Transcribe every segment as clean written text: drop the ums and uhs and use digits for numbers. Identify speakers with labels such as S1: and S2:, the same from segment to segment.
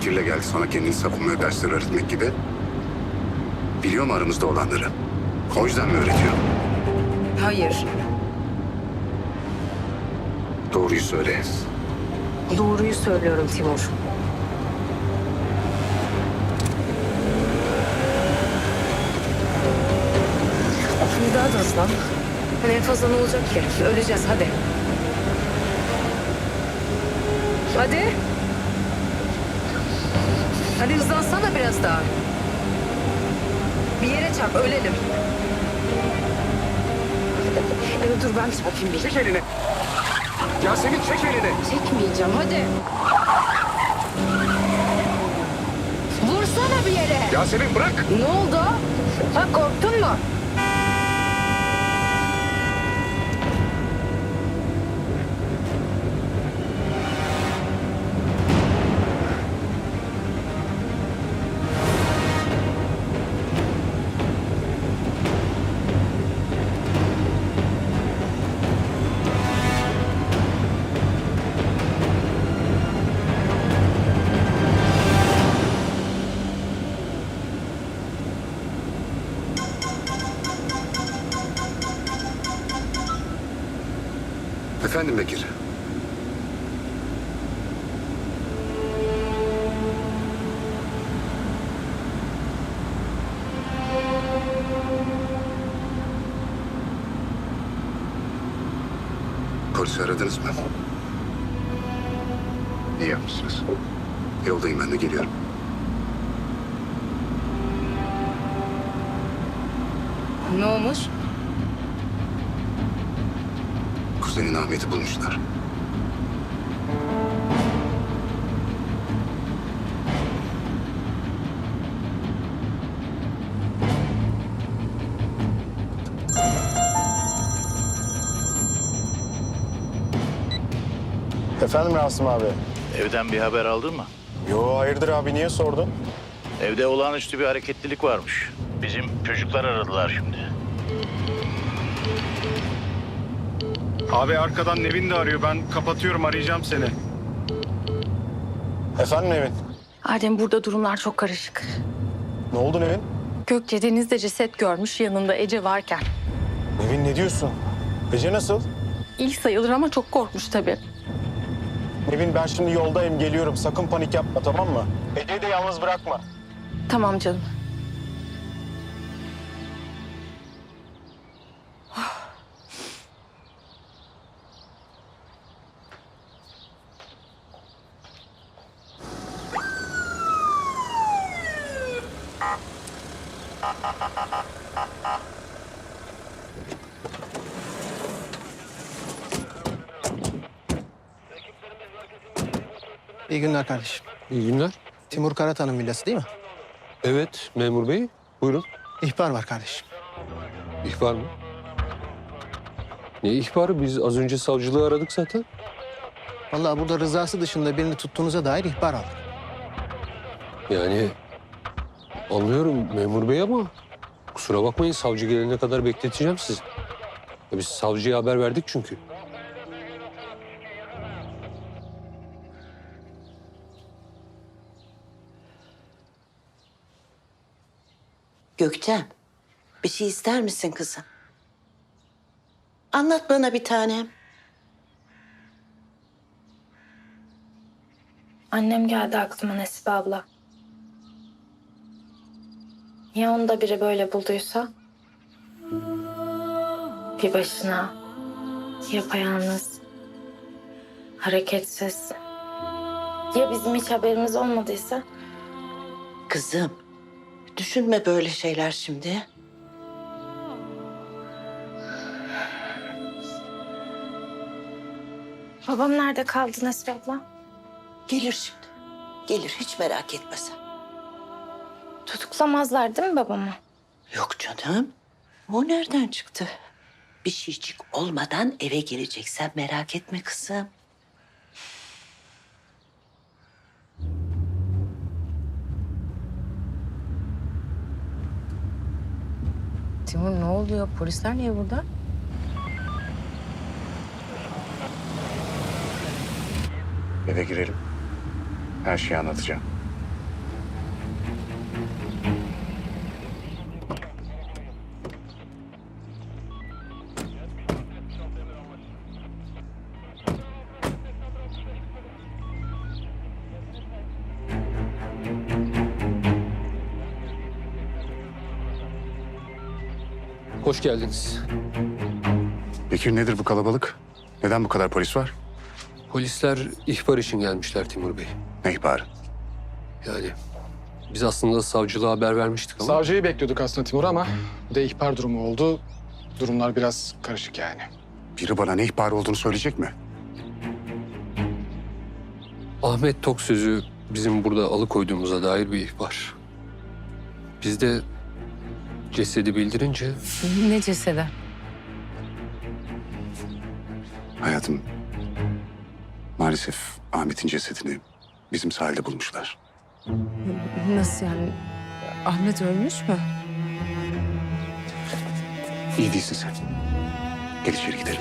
S1: fikirle geldi, sonra kendini savunmaya dersler öğretmek gibi. Biliyor mu aramızda olanları? O yüzden mi öğretiyor?
S2: Hayır.
S1: Doğruyu söyle.
S2: Doğruyu söylüyorum Timur. Bir daha da hızlan. Hani en fazla ne olacak ki? Öleceğiz hadi. Hadi. Hadi hızlansana biraz daha. Bir yere çarp, ölelim. Evet, dur ben çarpayım bir.
S1: Çek elini. Yasemin çek elini.
S2: Çekmeyeceğim, hadi. Vursana bir yere.
S1: Yasemin bırak.
S2: Ne oldu? Ha, korktun mu?
S1: Efendim Bekir. Polisi aradınız mı? İyi yapmışsınız. Yoldayım, ben de geliyorum.
S2: Ne olmuş?
S1: Kuzenin Ahmet'i bulmuşlar.
S3: Efendim Rasim abi?
S4: Evden bir haber aldın mı?
S3: Yo hayırdır abi, niye sordun?
S4: Evde olağanüstü bir hareketlilik varmış. Bizim çocuklar aradılar şimdi.
S5: Abi arkadan Nevin de arıyor. Ben kapatıyorum, arayacağım seni.
S3: Efendim Nevin?
S6: Adem, burada durumlar çok karışık.
S3: Ne oldu Nevin?
S6: Gökçe denizde ceset görmüş, yanında Ece varken.
S3: Nevin ne diyorsun? Ece nasıl?
S6: İlk sayılır ama çok korkmuş tabii.
S3: Nevin ben şimdi yoldayım, geliyorum. Sakın panik yapma, tamam mı? Ece'yi de yalnız bırakma.
S6: Tamam canım.
S7: İyi günler kardeşim.
S8: İyi günler.
S7: Timur Karatan'ın villası değil mi?
S8: Evet, memur bey. Buyurun.
S7: İhbar var kardeşim.
S8: İhbar mı? Ne ihbarı? Biz az önce savcılığı aradık zaten.
S7: Vallahi burada rızası dışında birini tuttuğunuza dair ihbar aldık.
S8: Yani anlıyorum memur bey ama kusura bakmayın, savcı gelene kadar bekleteceğim sizi. Ya biz savcıya haber verdik çünkü.
S9: Gökçen, bir şey ister misin kızım? Anlat bana bir tanem.
S6: Annem geldi aklıma Nesibe abla. Ya onu da biri böyle bulduysa? Bir başına, yapayalnız, hareketsiz. Ya bizim hiç haberimiz olmadıysa?
S9: Kızım, düşünme böyle şeyler şimdi.
S6: Babam nerede kaldı Nesibe abla?
S9: Gelir şimdi. Gelir, hiç merak etme sen.
S6: Tutuklamazlar değil mi babamı?
S9: Yok canım. O nereden çıktı? Bir şeycik olmadan eve geleceksen merak etme kızım.
S2: Timur ne oluyor? Polisler niye burada?
S1: Eve girelim. Her şeyi anlatacağım.
S8: Hoş geldiniz.
S1: Bekir nedir bu kalabalık? Neden bu kadar polis var?
S8: Polisler ihbar için gelmişler Timur Bey.
S1: Ne ihbarı?
S8: Yani biz aslında savcılığa haber vermiştik ama...
S3: Savcıyı bekliyorduk aslında Timur ama bir de ihbar durumu oldu. Durumlar biraz karışık yani.
S1: Biri bana ne ihbarı olduğunu söyleyecek mi?
S8: Ahmet Tok sözü bizim burada alıkoyduğumuza dair bir ihbar. Biz de cesedi bildirince
S2: Ne cesedi?
S1: Hayatım, maalesef Ahmet'in cesedini bizim sahilde bulmuşlar.
S2: Nasıl yani? Ahmet ölmüş mü?
S1: İyi değilsin sen. Gel içeri gidelim.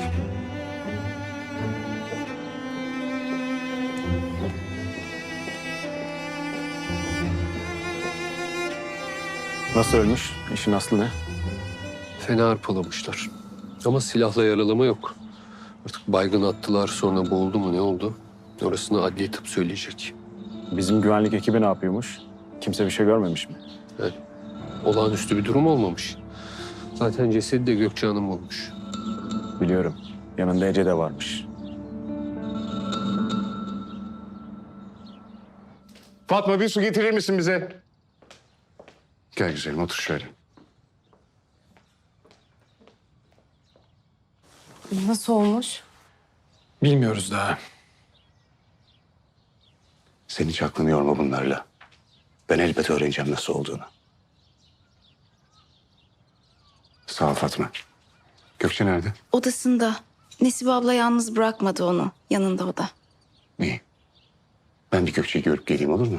S3: Nasıl ölmüş? İşin aslı ne?
S8: fena arpalamışlar. Ama silahla yaralama yok. Artık baygın attılar, sonra boğuldu mu ne oldu? Orasını adli tıp söyleyecek.
S3: Bizim güvenlik ekibi ne yapıyormuş? Kimse bir şey görmemiş mi?
S8: Yani olağanüstü bir durum olmamış. Zaten cesedi de Gökçe Hanım bulmuş.
S3: Biliyorum. Yanında Ece de varmış.
S1: Fatma bir su getirir misin bize? Gel güzelim otur şöyle.
S2: Nasıl olmuş?
S3: Bilmiyoruz daha.
S1: Sen hiç aklını yorma bunlarla. Ben elbet öğreneceğim nasıl olduğunu. Sağ ol Fatma. Gökçe nerede?
S10: Odasında. Nesibe abla yalnız bırakmadı onu. Yanında o da.
S1: İyi. Ben bir Gökçe'yi görüp geleyim olur mu?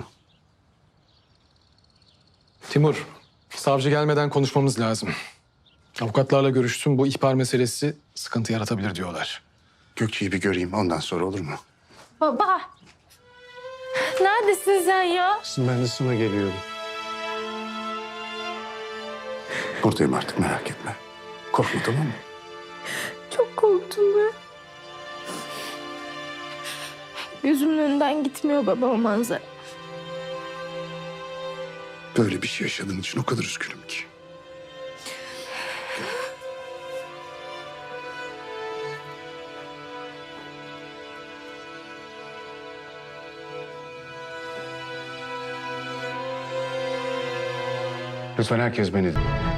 S3: Timur, savcı gelmeden konuşmamız lazım. Avukatlarla görüştüm. Bu ihbar meselesi sıkıntı yaratabilir diyorlar.
S1: Gökçe'yi bir göreyim ondan sonra olur mu?
S6: Baba. Neredesin sen ya?
S1: Ben de sana geliyorum. Buradayım artık merak etme. Korkma tamam mı?
S6: Çok korktum ben. Gözümün önünden gitmiyor baba o manzara.
S1: Böyle bir şey yaşadığın için o kadar üzgünüm ki. Lütfen herkes beni